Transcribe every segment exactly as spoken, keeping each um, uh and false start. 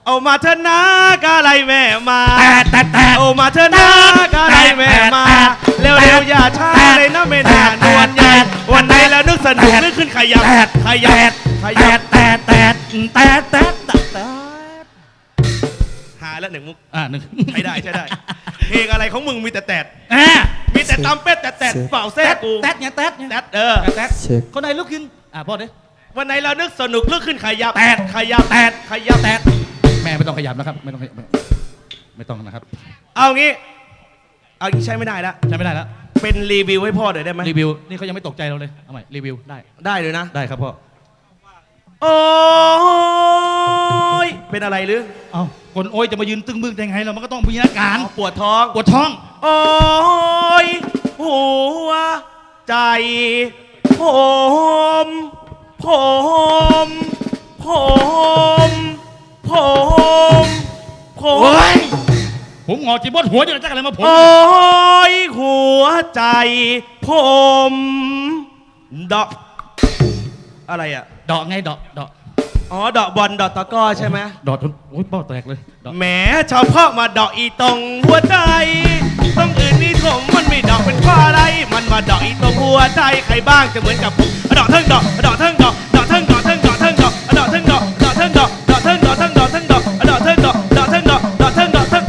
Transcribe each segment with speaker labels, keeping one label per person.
Speaker 1: เอามาเถอะนะกาไรแม่มา
Speaker 2: แต่แต่แต่
Speaker 1: เอามาเถอะนะกาไรแม่มาเร็วๆอย่าช้าเลยนะไม่นานนวลใหญ่วันไหนแล้วนึกสนุกนึกขึ้นขยับขยับขยับ
Speaker 2: แต่แต่แต่แต่แต่
Speaker 1: หาแล้วหนึ่งมุก
Speaker 2: อ่าหนึ่ง
Speaker 1: ใช้ได้ใช้ได้เพลงอะไรของมึงมีแต่แตดมีแต่ตำเป็ดแต่แตดเปล่าแซ่กู
Speaker 2: แตดเนี่ยแตดเนี่ย
Speaker 1: แตดเออ
Speaker 2: แตดคนไหนลุกขึ้นอ่าพ่อเด้
Speaker 1: วันไหนเรานึกสนุกนึกขึ้นขยับ
Speaker 2: แตด
Speaker 1: ขยับ
Speaker 2: แตด
Speaker 1: ขยับ
Speaker 2: แตดแม่ไม่ต้องขยับนะครับไม่ต้องไม่ต้องนะครับ
Speaker 1: เอางี้เอางี้ใช้ไม่ได้แล้ว
Speaker 2: ใช้ไม่ได้แล้ว
Speaker 1: เป็นรีวิวให้พ่อหน่อยได้ไหม
Speaker 2: รีวิวนี่เขายังไม่ตกใจเราเลยเอาใหม่รีวิวได้
Speaker 1: ได้เลยนะ
Speaker 2: ได้ครับพ่อ
Speaker 1: โอ้ยเป็นอะไรหรือ
Speaker 2: เอาคนโอ้ยจะมายืนตึงบึ้งได้ไงเรามันก็ต้องมีอาการ
Speaker 1: ปวดท้อง
Speaker 2: ปวดท้อง
Speaker 1: โอ้ยหัวใจผมผมผมผมผม
Speaker 2: โอ้ยผมงอจีบดหัวจะจักอะไรมาผม
Speaker 1: โอ้ยหัวใจผมดอกอะไรอะ
Speaker 2: ดอกไงดอกดอก
Speaker 1: อ๋อดอกบอลดอกตะก้อใช่ไหม
Speaker 2: ดอกโอ้ยเป้าแตกเลย
Speaker 1: แหมชาวพ่อมาดอกอีตรงหัวใจต้องอื่นนี่ผมมันไม่ดอกเป็นข้ออะไรมันมาดอกอีตรงหัวใจใครบ้างจะเหมือนกับผมดอกเทิงดอกดอกเทิงดอกดอกเทิงดอกเทิงดอกเทิงดอกดอกเทิงดอกดอกเทิงดอกดอกเทิงดอกเทิงดอกเทิงดอกดอกเทิงดอกดอกเทิงดอกดอกเทิงดอกเทิง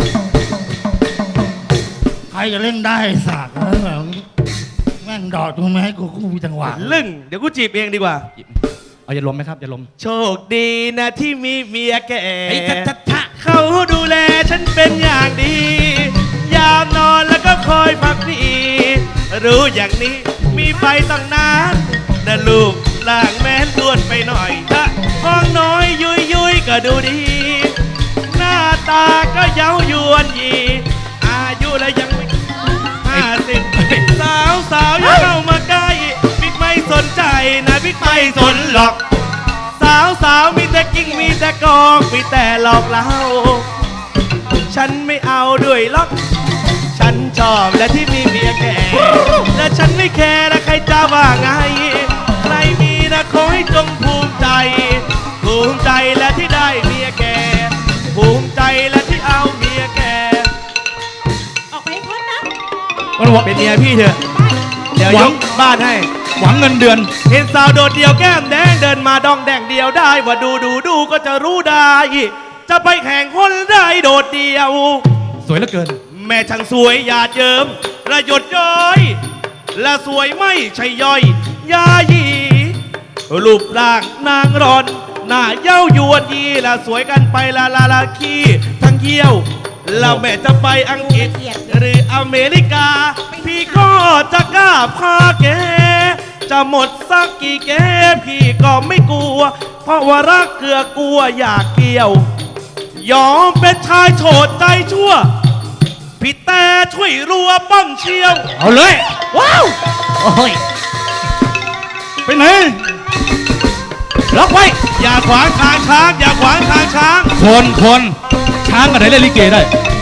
Speaker 2: ใครจะเล่นได้สากแล้วแม่งดอกตรงไหนกูกูมีจังหวะ
Speaker 1: ลึ่งเดี๋ยวกูจีบเองดีกว่า
Speaker 2: เอาอย่าลมไหมครับอย่าลม
Speaker 1: โชคดีนะที่มีเมียแก่
Speaker 2: ทะ
Speaker 1: เขาดูแลฉันเป็นอย่างดียามนอนแล้วก็คอยพักดีรู้อย่างนี้มีไปตั้งนานนะลูกล่างแม้นล้วนไปหน่อยถ้าห้องน้อยยุยยุยก็ดูดีหน้าตาก็เย้ายวนยีอายุแล้วยังไม่ห้าสิบสาวสาวอย่าเข้ามาใกล้บิ๊กไม่สนใจนะบิ๊กไม่สนหรอกสาวสาวมีแต่กิ้งมีแต่กอกมีแต่หลอกเล่าฉันไม่เอาด้วยล็อกฉันชอบและที่มีเมียแก่และฉันไม่แคร์นะใครจะว่าไงใครมีนะขอให้จงภูมิใจภูมิใจและที่ได้เมียแก่ภูมิใจและที่เอาเมียแก่
Speaker 3: ออกไปพ้นนะ
Speaker 1: เป็นเมียพี่เถอะเดี๋ยวยกบ้านให้
Speaker 2: หวังเงินเดือน
Speaker 1: เห็นสาวโดดเดี่ยวแก้มแดงเดินมาดองแดงเดียวได้ว่าดูดูดูก็จะรู้ได้จะไปแข่งคนได้โดดเดี่ยว
Speaker 2: สวยเหลือเกิน
Speaker 1: แม่ช่างสวยหยาดเยิ้มระยดย้อยและสวยไม่ใช่ย่อยยายีรูปร่างนางรอนหน้าเย้ายวนยีและสวยกันไปละละละขี้ทั้งเยี่ยวแล้วแม่จะไปอังกฤษหรืออเมริกาพี่ก็จะกล้าพาแกจะหมดสักกี่แกพี่ก็ไม่กลัวเพราะว่ารักเกลือกลัวอยากเกี่ยวยอมเป็นชายโฉดใจชั่วพี่แต่ช่วยรัวป้องเชียว
Speaker 2: เอาเลยว้าวโอ้ยไปไหนล็อกไว้
Speaker 1: อย่าขวางทางช้างอย่าขวางทางช้าง
Speaker 2: คนคนช้างกันไหนเล่นลิเกได้